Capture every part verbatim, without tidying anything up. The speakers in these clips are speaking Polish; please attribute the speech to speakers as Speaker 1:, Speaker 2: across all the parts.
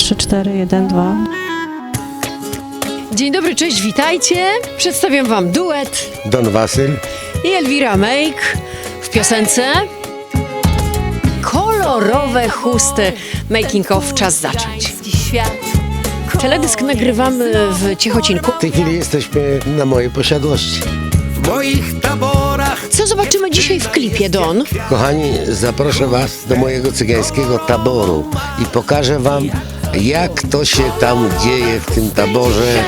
Speaker 1: trzy, cztery, jeden, dwa.
Speaker 2: Dzień dobry, cześć, witajcie. Przedstawiam wam duet
Speaker 3: Don Wasyl
Speaker 2: i Elwira Make w piosence Kolorowe chusty. Making of, czas zacząć. Teledysk nagrywamy w Ciechocinku.
Speaker 3: W tej chwili jesteśmy na mojej posiadłości.
Speaker 4: W moich taborach.
Speaker 2: Co zobaczymy dzisiaj w klipie, Don?
Speaker 3: Kochani, zaproszę was do mojego cygańskiego taboru i pokażę wam, jak to się tam dzieje w tym taborze.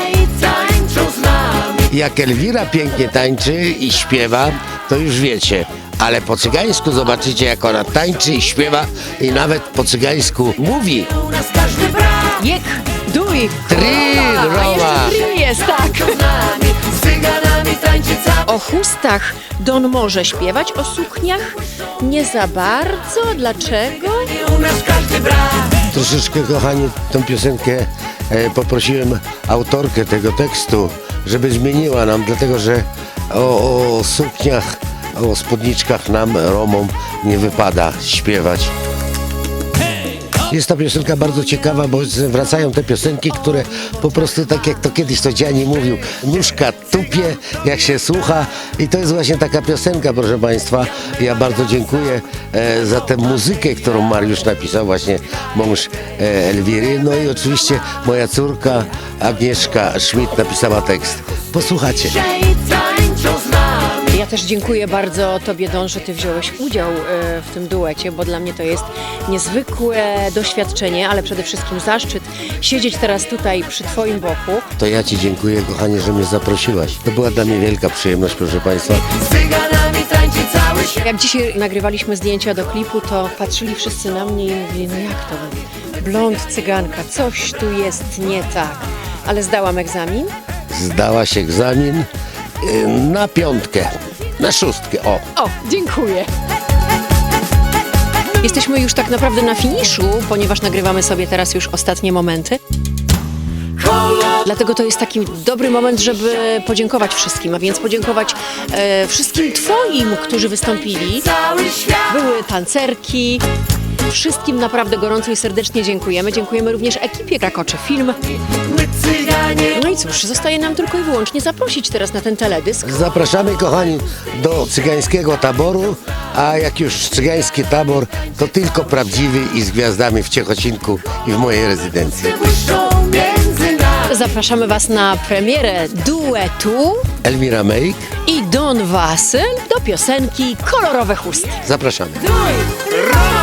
Speaker 3: Jak Elwira pięknie tańczy i śpiewa, to już wiecie. Ale po cygańsku zobaczycie, jak ona tańczy i śpiewa i nawet po cygańsku mówi.
Speaker 2: Jek, duj,
Speaker 3: Tri,
Speaker 2: a
Speaker 3: rowa.
Speaker 2: jeszcze tri jest, tak. O chustach Don może śpiewać, o sukniach nie za bardzo. Dlaczego?
Speaker 3: Troszeczkę, kochani, tą piosenkę e, poprosiłem autorkę tego tekstu, żeby zmieniła nam, dlatego że o, o sukniach, o spódniczkach nam, Romom, nie wypada śpiewać. Jest ta piosenka bardzo ciekawa, bo wracają te piosenki, które po prostu, tak jak to kiedyś to Dziani mówił, nóżka tupie, jak się słucha, i to jest właśnie taka piosenka, proszę Państwa. Ja bardzo dziękuję e, za tę muzykę, którą Mariusz napisał, właśnie mąż e, Elwiry. No i oczywiście moja córka Agnieszka Schmidt napisała tekst. Posłuchacie.
Speaker 2: Ja też dziękuję bardzo Tobie, Don, że Ty wziąłeś udział e, w tym duecie, bo dla mnie to jest niezwykłe doświadczenie, ale przede wszystkim zaszczyt siedzieć teraz tutaj przy Twoim boku.
Speaker 3: To ja Ci dziękuję, kochanie, że mnie zaprosiłaś. To była dla mnie wielka przyjemność, proszę Państwa.
Speaker 2: Jak dzisiaj nagrywaliśmy zdjęcia do klipu, to patrzyli wszyscy na mnie i mówili, no jak to? Blond cyganka, coś tu jest nie tak. Ale zdałam egzamin.
Speaker 3: Zdałaś egzamin y, na piątkę, na szóstkę, o.
Speaker 2: O, dziękuję. Jesteśmy już tak naprawdę na finiszu, ponieważ nagrywamy sobie teraz już ostatnie momenty. Dlatego to jest taki dobry moment, żeby podziękować wszystkim, a więc podziękować e, wszystkim Twoim, którzy wystąpili. Były tancerki. Wszystkim naprawdę gorąco i serdecznie dziękujemy. Dziękujemy również ekipie Krakoczy Film. No i cóż, zostaje nam tylko i wyłącznie zaprosić teraz na ten teledysk.
Speaker 3: Zapraszamy, kochani, do cygańskiego taboru, a jak już cygański tabor, to tylko prawdziwy i z gwiazdami w Ciechocinku i w mojej rezydencji.
Speaker 2: Zapraszamy Was na premierę duetu
Speaker 3: Elwira Make,
Speaker 2: i Don Wasyl do piosenki Kolorowe chusty.
Speaker 3: zapraszamy.
Speaker 4: Roma!